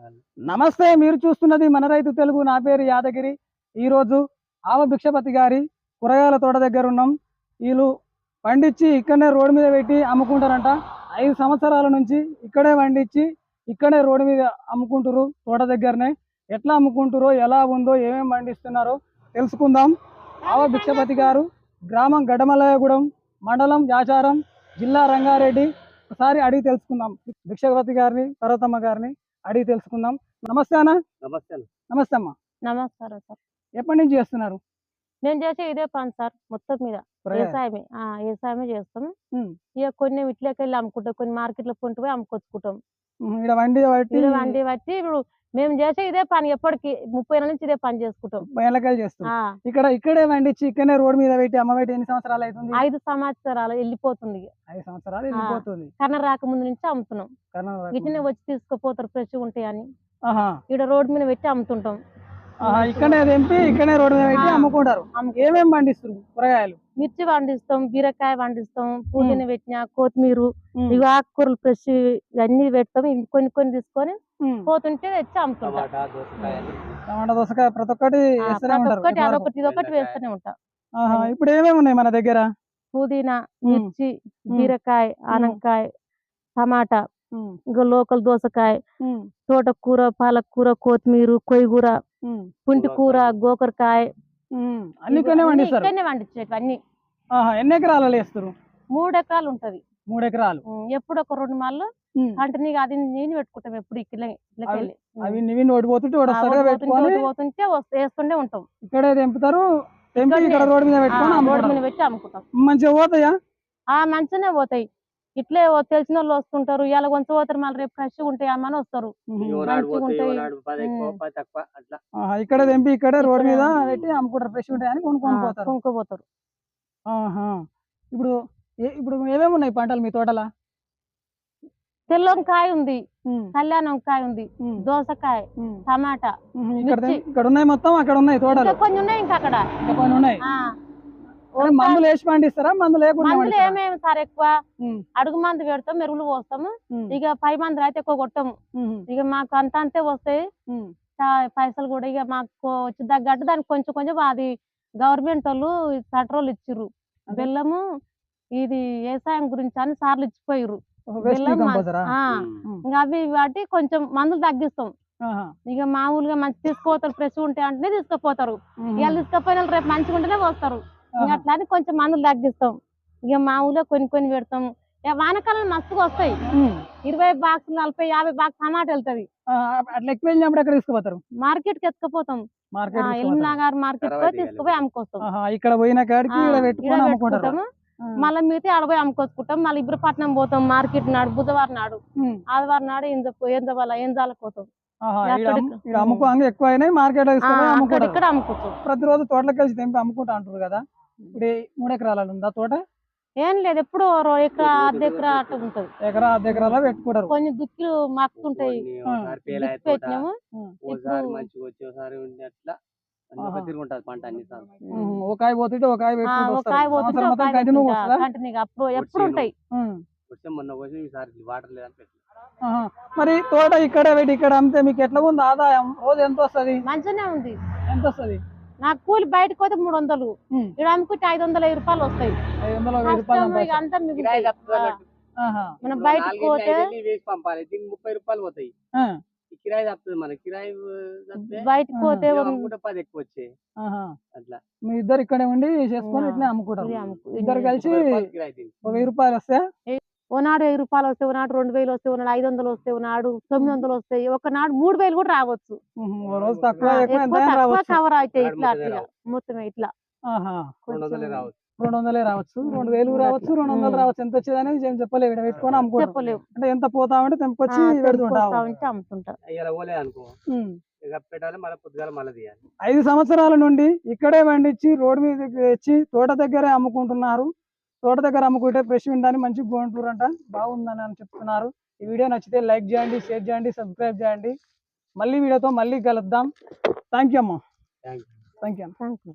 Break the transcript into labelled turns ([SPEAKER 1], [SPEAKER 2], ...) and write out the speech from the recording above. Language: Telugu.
[SPEAKER 1] నమస్తే, మీరు చూస్తున్నది మన రైతు తెలుగు. నా పేరు యాదగిరి. ఈరోజు ఆవ భిక్షపతి గారి కూరగాయల తోట దగ్గర ఉన్నాం. వీళ్ళు పండించి ఇక్కడనే రోడ్డు మీద పెట్టి అమ్ముకుంటారంట. 5 సంవత్సరాల నుంచి ఇక్కడే పండించి ఇక్కడే రోడ్డు మీద అమ్ముకుంటారు. తోట దగ్గరనే ఎట్లా అమ్ముకుంటారో, ఎలా ఉందో, ఏమేమి పండిస్తున్నారో తెలుసుకుందాం. ఆవ భిక్షపతి గారు గ్రామం గడ్డమల్లయ్యగూడెం, మండలం యాచారం, జిల్లా రంగారెడ్డి. ఒకసారి అడిగి తెలుసుకుందాం. భిక్షపతి గారిని, పర్వతమ్మ గారిని అడిగి తెలుసుకుందాం. నమస్తే అన్న. నమస్తే అమ్మ.
[SPEAKER 2] నమస్కారం సార్.
[SPEAKER 1] ఎప్పటి నుంచి చేస్తున్నారు?
[SPEAKER 2] నేను చేసే ఇదే పని సార్, మొత్తం మీద వ్యవసాయమే. వ్యవసాయమే చేస్తాం. ఇక కొన్ని ఇట్లకి వెళ్ళి అమ్ముకుంటాం, కొన్ని మార్కెట్ లో కొంటూ పోయి అమ్ముకొచ్చుకుంటాం.
[SPEAKER 1] వండి
[SPEAKER 2] బట్టి ఇప్పుడు మేము చేసే ఇదే పని, ఎప్పటికి 30 ఏళ్ళ నుంచి ఇదే పని చేసుకుంటాం.
[SPEAKER 1] చేస్తాం. ఇక్కడే వండించి ఇక్కడనే రోడ్డు మీద పెట్టి అమ్మబెట్టి ఎన్ని సంవత్సరాలు అవుతుంది?
[SPEAKER 2] 5 సంవత్సరాలు వెళ్ళిపోతుంది.
[SPEAKER 1] 5 సంవత్సరాలు వెళ్ళిపోతుంది.
[SPEAKER 2] కర్ణ రాకముందు నుంచి అమ్ముతున్నాం. ఇట్లనే వచ్చి తీసుకుపోతారు, ఫ్రెష్ ఉంటాయని ఇక్కడ రోడ్డు మీద పెట్టి అమ్ముతుంటాం.
[SPEAKER 1] ఇక్కడనే తెంపి ఇక్కడనే రోడ్డు మీద పెట్టి అమ్ముకుంటారు. ఏమేమి పండిస్తారు? కూరగాయలు,
[SPEAKER 2] మిర్చి పండిస్తాం, బీరకాయ పండిస్తాం, పుదీనా పెట్టిన, కొత్తిమీర, ఇవి ఆకుకూరలు ఫ్రెష్ ఇవన్నీ పెడతాం. కొన్ని తీసుకొని పోతుంటే తెచ్చి అమ్ముతుంటాం.
[SPEAKER 1] టమాటా, దోసకాయ, ప్రతి ఒక్కటి
[SPEAKER 2] ఇదొకటి వేస్తూనే ఉంటాం.
[SPEAKER 1] ఇప్పుడు ఏమేమి ఉన్నాయి మన దగ్గర?
[SPEAKER 2] పుదీనా, మిర్చి, బీరకాయ, ఆనంకాయ, టమాటా, ఇంకా లోకల్ దోసకాయ, తోటకూర, పాలకూర, కొత్తిమీర, కొయ్యగూర, పుంటి కూర, గోకరకాయ,
[SPEAKER 1] అన్ని
[SPEAKER 2] పండించేవి అన్ని.
[SPEAKER 1] ఎన్ని ఎకరాలు వేస్తారు?
[SPEAKER 2] 3 ఎకరాలు ఉంటది.
[SPEAKER 1] 3 ఎకరాలు.
[SPEAKER 2] ఎప్పుడు ఒక 2 మాళ్ళు కంటిన్యూగా అది నేను పెట్టుకుంటాం. ఎప్పుడు పోతుంటే వేస్తుండే ఉంటాం.
[SPEAKER 1] ఇక్కడే తెంపుతారు, ఇక్కడ రోడ్డు మీద
[SPEAKER 2] పెట్టి అమ్ముకుంటాం.
[SPEAKER 1] మంచిగా పోతాయా?
[SPEAKER 2] మంచిగానే పోతాయి. ఇట్లే తెలిసిన వాళ్ళు వస్తుంటారు, ఇలా కొంచెం పోతారు, మళ్ళీ రేపు ఫ్రెష్ ఉంటాయి అమ్మని వస్తారు.
[SPEAKER 1] ఇక్కడ తెంపి ఇక్కడే రోడ్డు మీద పెట్టి అమ్ముకుంటారు, ఫ్రెష్ ఉంటాయని కొనుక్కోపోతారు. ఇప్పుడు ఏమేమి ఉన్నాయి పంటలు మీ తోటలా?
[SPEAKER 2] తెల్లంకాయ ఉంది, కళ్యాణంకాయ ఉంది, దోసకాయ, టమాటా,
[SPEAKER 1] ఇక్కడ ఉన్నాయి. మొత్తం అక్కడ ఉన్నాయి తోటలు
[SPEAKER 2] కొన్ని ఉన్నాయి. ఇంకా అక్కడ
[SPEAKER 1] కొన్ని ఉన్నాయి. మందులు వేసి పండిస్తారా? మందులు
[SPEAKER 2] ఏమేమి సార్, ఎక్కువ అడుగు మందు పెడతాం, మెరుగులు పోస్తాము. ఇక 5 మందులు అయితే ఎక్కువ కొట్టము. ఇక మాకు అంతే వస్తాయి పైసలు కూడా. ఇక మాకు వచ్చి తగ్గట్టు దానికి కొంచెం అది గవర్నమెంట్ వాళ్ళు పెట్రోల్ ఇచ్చిర్రు. బెల్లము ఇది వ్యవసాయం గురించి అని సార్లు ఇచ్చిపోయారు. ఇంకా అవి వాటి కొంచెం మందులు తగ్గిస్తాం. ఇక మామూలుగా మంచి తీసుకోతారు, ఫ్రెష్ ఉంటాయి అంటే తీసుకుపోతారు. ఇవాళ తీసుకుపోయిన రేపు మంచిగా ఉంటేనే పోస్తారు. అట్లా అని కొంచెం మందులు తగ్గిస్తాం. ఇక మామూలుగా కొన్ని పెడతాం. వానకాలం మస్తుగా వస్తాయి. 20 బాక్సులు, 40, 50 బాక్స్ టమాటా వెళ్తుంది.
[SPEAKER 1] అట్లా ఎక్కువ వెళ్ళినప్పుడు ఎక్కడ తీసుకుపోతారు?
[SPEAKER 2] మార్కెట్ కి ఎత్తుకుపోతాం. ఎల్మినగర్ మార్కెట్ కి తీసుకుపోయి అమ్ముకొస్తాం.
[SPEAKER 1] ఇక్కడ పోయిన కాడికి పెట్టుకుంటాము.
[SPEAKER 2] మళ్ళీ మిగతా ఆడపోయి అమ్ముకొచ్చుకుంటాం. మళ్ళీ ఇబ్రపట్నం పోతాం మార్కెట్ నాడు, బుధవారం నాడు, ఆదివారం నాడు ఏంజాలకు పోతాం. ఇక్కడ అమ్ముకోవచ్చు.
[SPEAKER 1] ప్రతిరోజు తోటలకు కలిసి తెంపి అమ్ముకుంటా అంటారు కదా. ఇప్పుడు 3 ఎకరాలు ఉందా తోట?
[SPEAKER 2] ఏం లేదు, ఎప్పుడు ఎకరా, అర్ధ ఎకరా అట్లా ఉంటది.
[SPEAKER 1] ఎకరా, అర్ధ ఎకరాలో పెట్టుకుంటారు.
[SPEAKER 2] కొన్ని దుక్కులు మక్కుతుంటాయి, పెట్టినాము.
[SPEAKER 1] కాయ పోతుంటే ఒక
[SPEAKER 2] అప్పుడు ఎప్పుడు ఉంటాయి.
[SPEAKER 1] మరి తోట ఇక్కడ పెట్టి ఇక్కడ అమ్మితే మీకు ఎట్లా ఉంది ఆదాయం? రోజు ఎంత వస్తుంది?
[SPEAKER 2] మంచిగానే ఉంది.
[SPEAKER 1] ఎంత వస్తుంది?
[SPEAKER 2] నాకు కూలి బయటకు పోతే 300, ఇక్కడ అమ్ముకుంటే 500 రూపాయలు వస్తాయి.
[SPEAKER 1] 500 రూపాయలు
[SPEAKER 2] అంతా మిగులుతాయి. మనం బయటకు పోతే
[SPEAKER 3] 30 రూపాయలు పోతాయి. కిరాయి తప్పుతుంది, మన కిరాయి
[SPEAKER 2] బయటకు పోతే
[SPEAKER 3] 10 ఎక్కువ వచ్చాయి. అట్లా
[SPEAKER 1] మీ ఇద్దరు ఇక్కడే ఉండి చేసుకొని ఇట్లా అమ్ముకుంటారు. ఇద్దరు కలిసి 1000 రూపాయలు వస్తాయి.
[SPEAKER 2] ఓనాడు 1000 రూపాయలు వస్తాయి, ఓనాడు 2000 వస్తాయి, ఓనాడు 500 వస్తాయి, ఓనాడు 900 వస్తాయి, ఒకనాడు 3000 కూడా రావచ్చు. కవర్ అవుతాయి. ఇట్లా అట్లా మొత్తం ఇట్లా
[SPEAKER 1] 200 రావచ్చు, 2000 రావచ్చు, 200 రావచ్చు. ఎంత వచ్చేది అనేది ఏం చెప్పలేవు. ఇక్కడ పెట్టుకొని అమ్ముకోలేవు. అంటే ఎంత పోతా ఉంటే తెంపుకొచ్చి
[SPEAKER 2] అమ్ముతుంటా.
[SPEAKER 1] 5 సంవత్సరాల నుండి ఇక్కడే పండించి రోడ్డు మీద తెచ్చి తోట దగ్గరే అమ్ముకుంటున్నారు. తోట దగ్గర అమ్ముకుంటే ఫ్రెష్ ఉండడానికి మంచి బాగుంటారంట, బాగుందని అని చెప్తున్నారు. ఈ వీడియో నచ్చితే లైక్ చేయండి, షేర్ చేయండి, సబ్స్క్రైబ్ చేయండి. మళ్ళీ వీడియోతో మళ్ళీ కలుద్దాం. థ్యాంక్ యూ అమ్మ.
[SPEAKER 3] Thank you.